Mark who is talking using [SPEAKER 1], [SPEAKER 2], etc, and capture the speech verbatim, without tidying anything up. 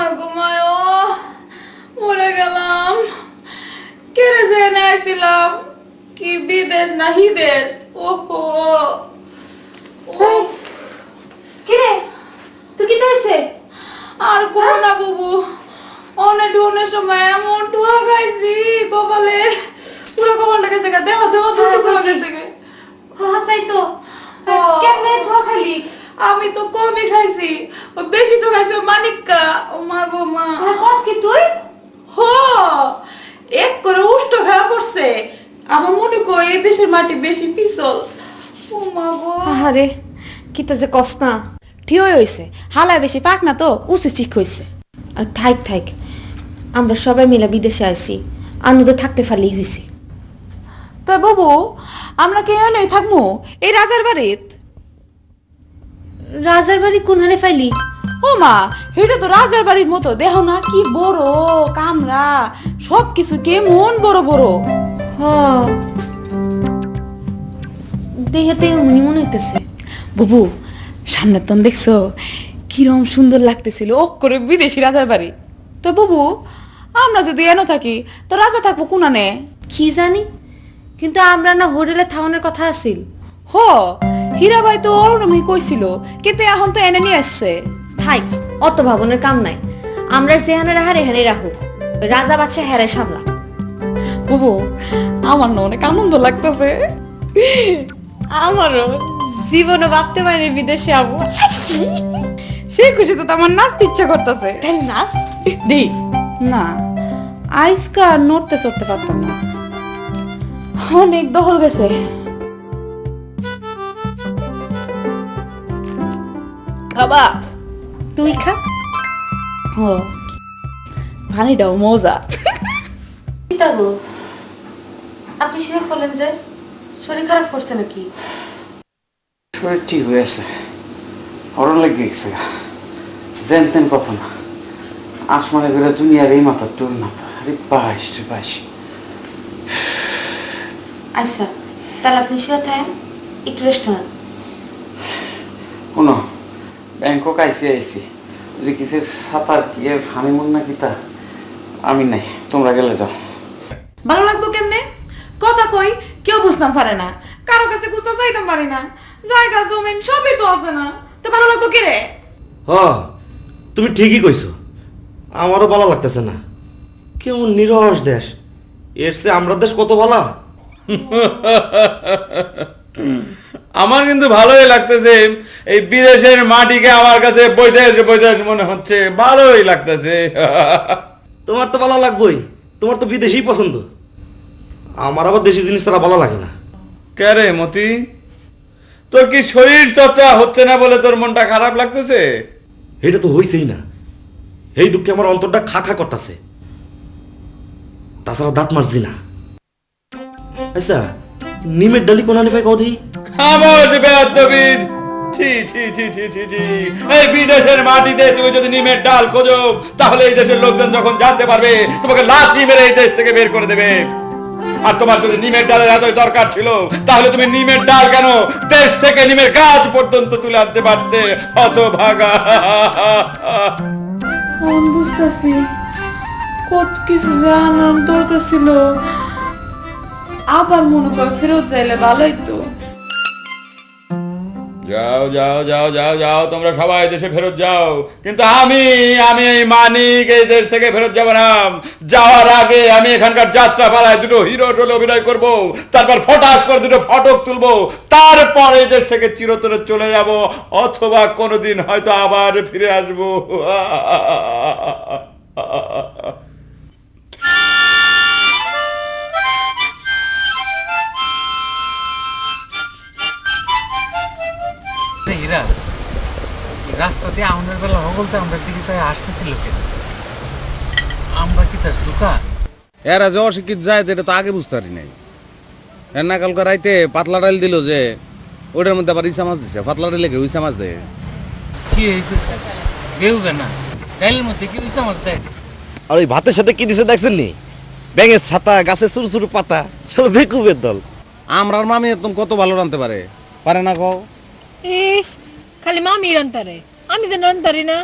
[SPEAKER 1] ঘুমায় মরে গেলাম। কেড়ে জেনে আইছিলাম কি বিদেশ না হিদেশ। ওহো
[SPEAKER 2] কিরে তুই কি হইছে?
[SPEAKER 1] আর কোন না বুবু, অনেক ডুনের সময় এমন ঠুয়া খাইছি কপালে, পুরো কপালটা গেছে গা, দেহ দেহ ঠুয়া গেছে গে।
[SPEAKER 2] হাসাই তো কেমনে ধোয়া খালি?
[SPEAKER 1] আমি তো কমই খাইছি, ও বেশি তো খাইছি মানিকা। ও মা গো মা,
[SPEAKER 2] কস কি তুই?
[SPEAKER 1] হো এক করে উষ্ট খাওয়া পড়ছে। আমার মনে কর এই দেশের মাটি বেশি পিছল। ও মা গো,
[SPEAKER 2] আরে কিতা যে কস না।
[SPEAKER 3] ঠিক হইছে, হালায় বেশি পাক না তো উচিত ঠিক হইছে।
[SPEAKER 2] আর থাইক থাইক, আমরা সবাই মিলে বিদেশে আইছি, আনন্দ থাকতে পারলেই হইছে।
[SPEAKER 3] তো বাবু আমরা কে নই থাকবো এই রাজার বাড়িত?
[SPEAKER 2] রাজার বাড়ি কোনখানে ফাইলি?
[SPEAKER 3] ও মা, এটা তো রাজার বাড়ির মতো, দেহ না কি বড় কামরা, সব কিছু কেমন বড় বড়।
[SPEAKER 2] হ দেহাতে মনে মনে হইতেছে।
[SPEAKER 3] বাবু সামনে তো দেখছো কিরম সুন্দর লাগতেছিল, ও করে বিদেশি রাজার বাড়ি। তো বাবু আমরা যদি এনো থাকি তো রাজা থাকবো কোনানে?
[SPEAKER 2] কি জানি, কিন্তু আমরা না হোটেলে থাউনের কথা আছিল।
[SPEAKER 3] হ হীরাবাই তো ওরমই কইছিল, কিন্তু এখন তো এনে নিয়ে আসছে।
[SPEAKER 2] থাই, অত ভাবনের কাম নাই। আমরা যেহানে রাহার এখানে রাখুক, রাজা বাদশা হেরে সামলা।
[SPEAKER 3] বাবু আমার না অনেক আনন্দ লাগতেছে।
[SPEAKER 2] আমারও জীবনে ভাবতে পারিনি বিদেশে যাবো।
[SPEAKER 3] সেই খুশিতে তো আমার নাচতে ইচ্ছা করতেছে।
[SPEAKER 2] তাই নাচ
[SPEAKER 3] দি না, আইসকা আর নড়তে চড়তে পারতাম না, অনেক দহল গেছে। খাবা?
[SPEAKER 2] তুই খা।
[SPEAKER 3] ও পানিটাও মজা।
[SPEAKER 2] পিতা গো, আপনি শুয়ে ফেলেন যে, শরীর খারাপ করছে নাকি?
[SPEAKER 4] শরীর ঠিক হয়েছে, হরণ লেগে গেছে, যেন তেন কথা না। আসমানে করে দুনিয়ার এই মাথা তোর মাথা, আরে পাইস রে পাইস।
[SPEAKER 2] আচ্ছা তাহলে আপনি শুয়ে থাকেন, একটু রেস্ট নেন।
[SPEAKER 4] শোনো, ব্যাংকক আইসি আইসি যে কিসের সাঁতার কি এর হানিমুন না কি তা আমি নাই, তোমরা গেলে যাও।
[SPEAKER 3] ভালো লাগবো কেমনে? কথা কই কেউ বুঝতাম পারে না, কারো কাছে গুছা চাইতাম পারি না, জায়গা জমিন সবই তো আছে না, তো ভালো লাগবো কে রে?
[SPEAKER 5] হ তুমি ঠিকই কইছো, আমারও ভালো লাগতেছে না। কেমন নিরস দেশ, এর চেয়ে আমরা দেশ কত ভালো।
[SPEAKER 6] আমার কিন্তু ভালোই লাগতেছে, এই বিদেশের মাটিকে আমার কাছে বৈদেশ বৈদেশ মনে হচ্ছে, ভালোই লাগতেছে।
[SPEAKER 5] তোমার তো ভালো লাগবেই, তোমার তো বিদেশি পছন্দ। আমার আবার দেশি জিনিস তারা ভালো লাগে না।
[SPEAKER 6] কে রে মতি, তোর কি শরীর চর্চা হচ্ছে না বলে তোর মনটা খারাপ লাগতেছে?
[SPEAKER 5] এটা তো হইছেই না, এই দুঃখে আমার অন্তরটা খা খা করতেছে। তাছাড়া দাঁত মাজছি না। আচ্ছা নিমের ডালি কোনানে পাই কদি?
[SPEAKER 6] খামোশ বেয়াদবিদ, ছি ছি ছি ছি ছি ছি। এই বিদেশের মাটিতে তুমি যদি নিমের ডাল খোঁজো, তাহলে এই দেশের লোকজন যখন জানতে পারবে, তোমাকে লাথি মেরে এই দেশ থেকে বের করে দেবে। আর তোমার যদি নিমের ডালের এতই দরকার ছিল, তাহলে তুমি নিমের ডাল কেন দেশ থেকে নিমের গাছ পর্যন্ত তুলে আনতে পারতে, হতভাগা।
[SPEAKER 1] আমি বুঝতেছি কত কিছু জানার দরকার ছিল, আবার মনে কর ফেরত যাইলে ভালোই তো।
[SPEAKER 6] যাও যাও যাও যাও যাও, তোমরা সবাই দেশে ফেরত যাও, কিন্তু আমি আমি এই মানিক এই দেশ থেকে ফেরত যাব না। যাওয়ার আগে আমি এখানকার যাত্রা পালায় দুটো হিরো রোলে অভিনয় করব, তারপর ফটাস করে দুটো ফটক তুলবো, তারপর এই দেশ থেকে চিরতরে চলে যাব, অথবা কোনোদিন হয়তো আবার ফিরে আসবো।
[SPEAKER 7] এরা রাস্তা দিয়ে আমাদের বেলা হগলতে আমরা দিকে চাই আসতেছিল কেন? আমরা কি তার চুকা?
[SPEAKER 8] এরা যে অশিক্ষিত যায় এটা তো আগে বুঝতে পারি নাই। এর না কালকে রাইতে পাতলা ডাল দিল যে ওটার মধ্যে আবার ইসা মাছ দিছে, পাতলা ডালে কেউ ইসা মাছ দেয়।
[SPEAKER 7] কি এই করছে কেউ কেনা ডাইলের মধ্যে কি উইসা মাছ দেয়?
[SPEAKER 5] আর ওই ভাতের সাথে কি দিছে দেখছেন নি? ব্যাঙের ছাতা, গাছের ছোট ছোট পাতা, সব বেকুবের দল।
[SPEAKER 8] আমরার মামি একদম কত ভালো রানতে পারে, পারে না কও?
[SPEAKER 9] ইস খালি মামি রান্তারে, আমি যে রান্তারি না।